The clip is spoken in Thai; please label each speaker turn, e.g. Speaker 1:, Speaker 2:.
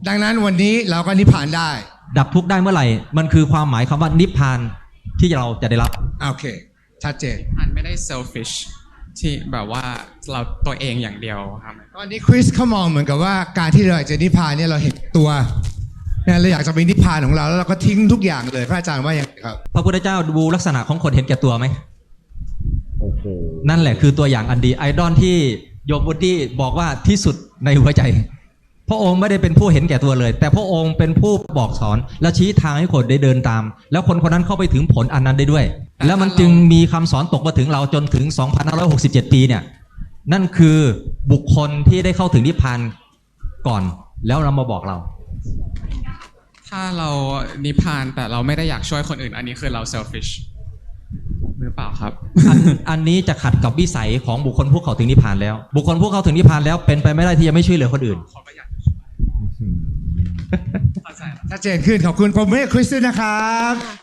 Speaker 1: ดังนั้นวันนี้เราก็นิพพานได้
Speaker 2: ดับทุกข์ได้เมื่อไหร่มันคือความหมายคำว่านิพพานที่เราจะได้รับ
Speaker 1: โอเคชัดเจน
Speaker 3: มันไม่ได้ selfish ที่แบบว่าเราตัวเองอย่างเดียวครับ
Speaker 1: ตอนนี้คริสเขามองเหมือนกับว่าการที่เราอยากจะนิพพานเนี่ยเราเห็นตัวเนี่ยเราอยากจะไปนิพพานของเราแล้วเราก็ทิ้งทุกอย่างเลยพระอาจารย์ว่าอย่างไรครับ
Speaker 2: พระพุทธเจ้าดูลักษณะของคนเห็นแก่ตัวไหมโอ้โหนั่นแหละคือตัวอย่างอันดีไอดอลที่โยมวุฒิบอกว่าที่สุดในหัวใจพระองค์ไม่ได้เป็นผู้เห็นแก่ตัวเลยแต่พระองค์เป็นผู้บอกสอนและชี้ทางให้คนได้เดินตามแล้วคนคนนั้นเข้าไปถึงผลอันนั้นได้ด้วยแล้วมันจึงมีคำสอนตกมาถึงเราจนถึง 2567 ปีเนี่ยนั่นคือบุคคลที่ได้เข้าถึงนิพพานก่อนแล้วเรามาบอกเรา
Speaker 3: ถ้าเรานิพพานแต่เราไม่ได้อยากช่วยคนอื่นอันนี้คือเรา selfish หรือเปล่าครับ
Speaker 2: อันนี้จะขัดกับวิสัยของบุคคลผู้เข้าถึงนิพพานแล้วบุคคลผู้เข้าถึงนิพพานแล้วเป็นไปไม่ได้ที่จะไม่ช่วยเหลือคนอื่น
Speaker 1: ชัดเจนขึ้นขอบคุณผมให้คริสด้วยนะครับ